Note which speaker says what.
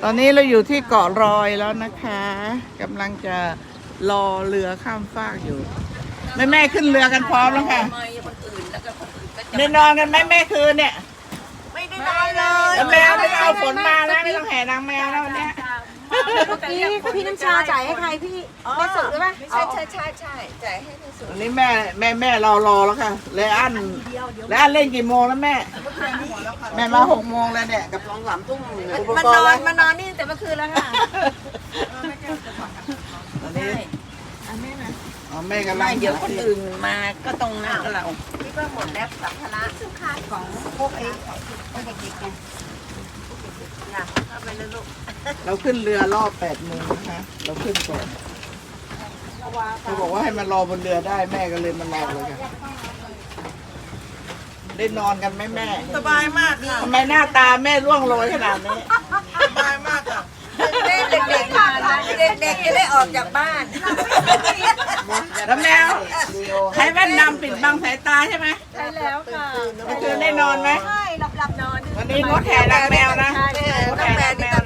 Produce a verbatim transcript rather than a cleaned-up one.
Speaker 1: อนนี้เราอยู่ที่เกาะรอยแล้วนะคะกำลังจะรอเรือข้ามฟากอยู่แม่แม่ขึ้นเรือกันพร้อมแล้วค่ะได้นอนกันไหมแม่คืนเนี่ย
Speaker 2: ไม่ได้นอนเลย
Speaker 1: แล้วแมวไม่ต้องเอาฝนมาแล้วไม่ต้องแห่นางแมวแล้ววันเนี้ย
Speaker 2: เมื่อกี้พี่น้ำชาจ่ายให้ใครพี่แม่สุดหรือเปล่าใช่ใช่ใช่ใช่จ่ายให้แม่สุด
Speaker 1: วันนี้แม่แม่แม่รอรอแล้วค่ะเลยอันเลยอันเล่นกี่โมงแล้วแม่แม่มาหกโมงแล้วเนี่ยกับสองสามทุ่มอุป
Speaker 2: มาก น
Speaker 1: ร
Speaker 2: อ
Speaker 1: ณ์
Speaker 2: นมานอนนี่แต่เมื่อคืนแล้วค่ะ
Speaker 1: ตอนนี้อ๋อแม่กำลัง
Speaker 3: เดี๋ยวคนอื่นมาก็ตรงนั้นก็เรา
Speaker 2: พี่ก็หมดแล้วสัมภาระซึ่งค่าของพวกไอ้ไอ้เด็กๆไงอยากเข้าไปเลยลูก
Speaker 1: เราขึ้นเรือรอบแปดโมงนะคะเราขึ้นก่อนเขาบอกว่าให้มารอบนเรือได้แม่ก็เลยมารอเลยค่ะได้นอนกันไหมแม่
Speaker 3: สบายมากค่ะ
Speaker 1: ทำไมหน้าตาแม่ร่วงโรยขนาดนี้
Speaker 3: สบายมากค่ะ
Speaker 2: เด็กๆค่ะเด็กๆจะได้ออกจากบ้าน
Speaker 1: แล้วแมวใช้แว่นดำปิดบังสายตาใช่ไหม
Speaker 2: ใช่แล้วค่ะ
Speaker 1: เมื่อคืนได้นอนไหม
Speaker 2: ใช่หลับหลับนอน
Speaker 1: วันนี้งดแห่นางแมวนะ
Speaker 2: ใช่
Speaker 1: งด
Speaker 2: น้อง
Speaker 1: แห่
Speaker 2: แม
Speaker 1: นาว งแม